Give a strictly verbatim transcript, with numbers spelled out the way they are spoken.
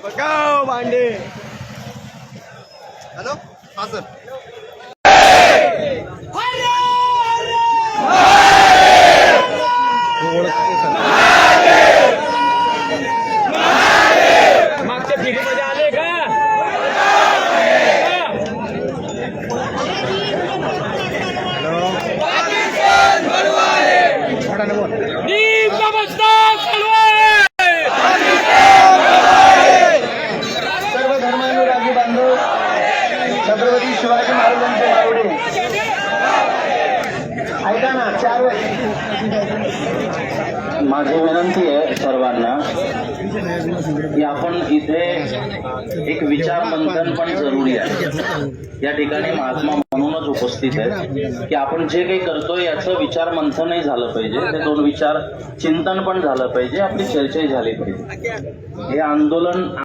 पकाव भांडे. हॅलो हा सर. मागच्या पिढीमध्ये आले का? नीम नमस्कार सर्व धर्मानुरागी बांधव छत्रपती शिवाजी महाराजांचे मावडे ऐका ना. चार माझी विनंती आहे सर्वांना की आपण इथे एक विचार मंथन पण जरुरी आहे. या ठिकाणी महात्मा म्हणूनच उपस्थित आहेत की आपण जे काही करतोय याचं विचार मंथनही झालं पाहिजे. ते दोन विचार चिंतन पण झालं पाहिजे. आपली चर्चाही झाली पाहिजे. हे आंदोलन